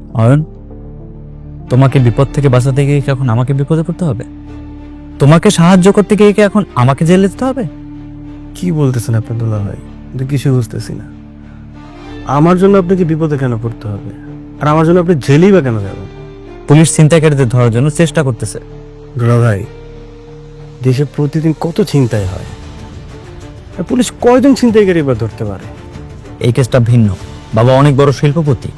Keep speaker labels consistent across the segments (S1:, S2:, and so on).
S1: অয়ন, তোমাকে বিপদ থেকে বাঁচাতে গিয়ে কি এখন আমাকে বিপদে পড়তে হবে? তোমাকে সাহায্য করতে গিয়ে কি এখন আমাকে জেলে যেতে হবে?
S2: কি বলতেছেন আপনি দুলা ভাই? কিন্তু কিছু বুঝতেছি না। আমার জন্য আপনাকে বিপদে কেন পড়তে হবে? আর আমার জন্য আপনি জেলেই বা কেন যাবেন?
S1: পুলিশ ছিনতাইকারীদের ধরার জন্য চেষ্টা করতেছে।
S2: দুলা ভাই, দেশে প্রতিদিন কত ছিনতাই হয়, আর পুলিশ কয়জন ছিনতাইকারী বা ধরতে পারে?
S1: এই কেসটা ভিন্ন। বাবা অনেক বড় শিল্পপতি।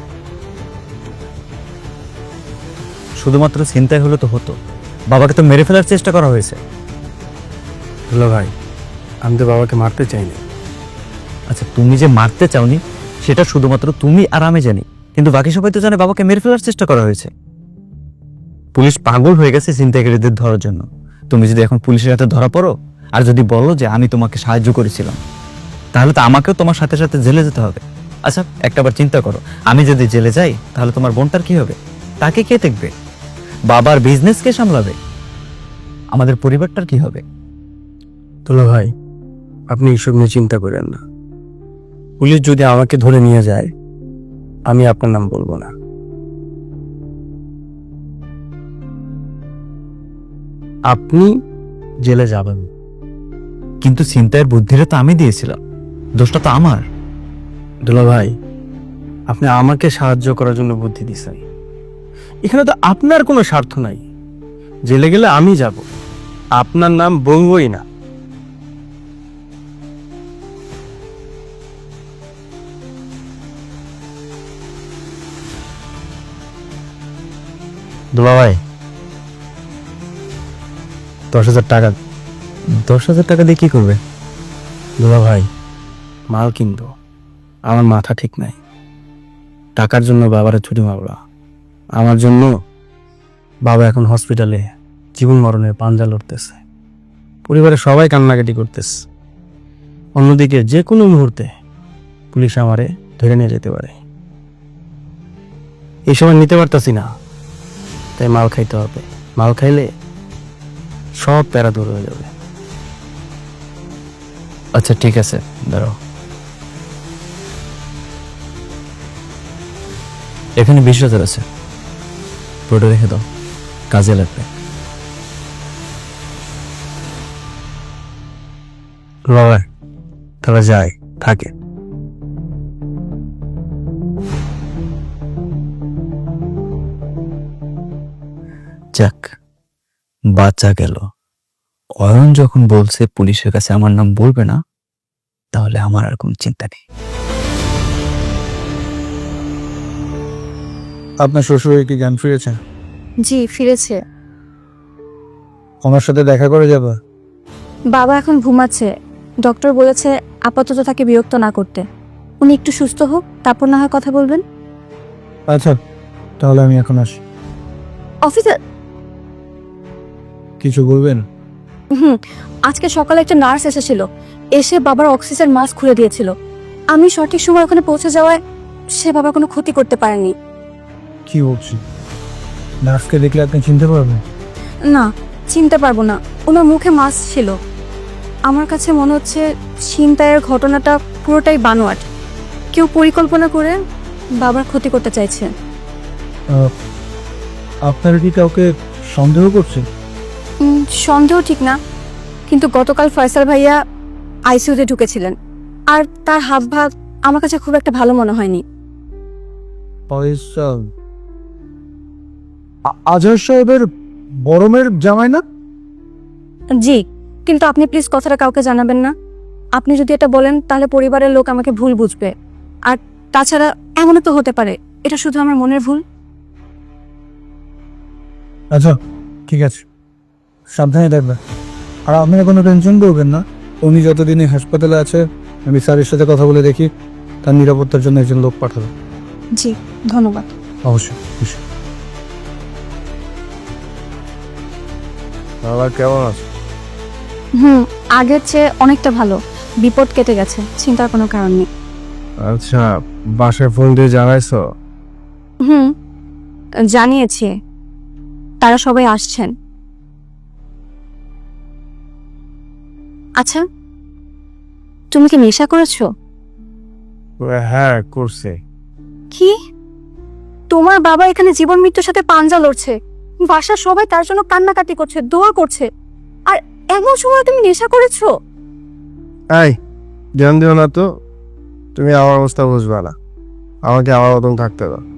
S1: শুধুমাত্র ছিনতাই হলে তো হতো, বাবাকে তো মেরে ফেলার চেষ্টা করা হয়েছে।
S2: দুলা ভাই, আমি তো বাবাকে মারতে চাইনি।
S1: আচ্ছা, তুমি যে মারতে চাওনি সেটা শুধুমাত্র তুমি আর আমি জানি, কিন্তু বাকি সবাই তো জানে বাবাকে মেরে ফেলার চেষ্টা করা হয়েছে। পুলিশ পাগল হয়ে গেছে ছিনতাইকারীদের ধরার জন্য। তুমি যদি এখন পুলিশের হাতে ধরা পড়ো আর যদি বলো যে আমি তোমাকে সাহায্য করেছিলাম, তাহলে তো আমাকেও তোমার সাথে সাথে জেলে যেতে হবে। আচ্ছা, একটাবার চিন্তা করো, আমি যদি জেলে যাই তাহলে তোমার বোনটার কি হবে? তাকে কে দেখবে? বাবার বিজনেস কে সামলাবে? আমাদের পরিবারটার কি হবে?
S2: দুলা ভাই, আপনি এইসব নিয়ে চিন্তা করেন না। পুলিশ যদি আমাকে ধরে নিয়ে যায়, আমি আপনার নাম বলবো না। আপনি জেলে যাবেন।
S1: কিন্তু ছিনতাইয়ের বুদ্ধিটা তো আমি দিয়েছিলাম, দোষটা তো আমার।
S2: দুলা ভাই, আপনি আমাকে সাহায্য করার জন্য বুদ্ধি দিছেন। এখানে তো আপনার কোনো স্বার্থ নাই। জেলে গেলে আমি যাব, আপনার নাম বলবই না। দুলা ভাই, 10,000 টাকা।
S1: 10,000 টাকা দিয়ে কি করবে?
S2: দুলা ভাই, মাল কিনবো। আমার মাথা ঠিক নাই। টাকার জন্য বাবারে ছুটি মারলা। আমার জন্য বাবা এখন হসপিটালে জীবন মরণের পাঞ্জা লড়তেছে। পরিবারের সবাই কান্নাকাটি করতেছে। অন্যদিকে যে কোনো মুহূর্তে পুলিশ আমারে ধরে নিয়ে যেতে পারে। এই সময় নিতে পারতাছি না, তাই মাল খাইতে হবে। মাল খাইলে সব প্যারা দূর হয়ে যাবে।
S1: আচ্ছা ঠিক আছে, দাঁড়াও। এখানে 20,000 আছে, পুরোটা রেখে দাও, কাজে লাগবে।
S2: বাবা, তাহলে যাই, থাকে।
S1: যাক, বাচ্চা গেল। অয়ন যখন বলছে পুলিশের কাছে আমার নাম বলবে না, তাহলে আমার আর কোনো চিন্তা নেই।
S3: আপনার শ্বশুর কি জ্ঞান ফিরেছে?
S4: জি, ফিরেছে।
S3: ওনার সাথে দেখা করে যাবা?
S4: বাবা এখন ঘুমাচ্ছে। ডক্টর বলেছে আপাতত তাকে বিরক্ত না করতে। উনি একটু সুস্থ হোক, তারপর না হয় কথা বলবেন।
S3: আচ্ছা, তাহলে আমি এখন আসি।
S4: অফিসে
S3: কিছু বলবেন?
S4: আজকে সকালে একটা নার্স এসেছিল, এসে বাবার অক্সিজেন মাস্ক খুলে দিয়েছিল। আমি সঠিক সময় ওখানে পৌঁছে যাওয়ায় সে বাবার কোনো ক্ষতি করতে পারেনি।
S3: কি বলছি? নার্সকে দেখলে আপনি চিনতে পারবেন?
S4: না, চিনতে পারবো না। ওনার মুখে মাস্ক ছিল। আমার কাছে মনে হচ্ছে ছিনতাইয়ের ঘটনাটা পুরোটাই বানোয়াট। কেউ পরিকল্পনা করে বাবার ক্ষতি করতে চাইছে।
S3: আপনারা কি কাউকে সন্দেহ করছেন?
S4: সন্দেহ ঠিক না, কিন্তু গতকাল ফয়সাল ভাইয়া আইসিইউতে ঢুকেছিলেন, আর তার হাবভাব আমার কাছে খুব একটা ভালো মনে হয়নি।
S3: ফয়সাল আজহার সাহেবের বড়মের জামাই না?
S4: জি, কিন্তু আপনি প্লিজ কথাটা কাউকে জানাবেন না। আপনি যদি এটা বলেন তাহলে পরিবারের লোক আমাকে ভুল বুঝবে। আর তাছাড়া এমনও তো হতে পারে এটা শুধু আমার মনের ভুল।
S3: আচ্ছা ঠিক আছে, সাবধানে থাকবেন। আর আপনারা কোনো টেনশন করবেন না। উনি যতদিনই হাসপাতালে আছে আমি স্যারের সাথে কথা বলে দেখি, তার নিরাপত্তার জন্য একজন লোক পাঠাবো।
S4: জি, ধন্যবাদ।
S3: অবশ্যই খুশি।
S2: বাবা কেমন আছে?
S4: আগের চেয়ে অনেকটা ভালো। বিপদ কেটে গেছে, চিন্তার কোনো কারণ নেই।
S2: আচ্ছা, বাসায় ফোন দিয়ে জানাইছো?
S4: জানিয়েছি, তারা সবাই আসছেন। আচ্ছা, তুমি কি নেশা করেছো?
S2: হ্যাঁ, করছে।
S4: কি? তোমার বাবা এখানে জীবন মৃত্যুর সাথে পাঞ্জা লড়ছে, বাসার সবাই তার জন্য কান্নাকাটি করছে, দোয়া করছে, আর এমন সময় তুমি নেশা করেছো।
S5: এই ধ্যান দিও না তো, তুমি আমার অবস্থা বুঝবা না, আমাকে আমার মতন থাকতে দাও।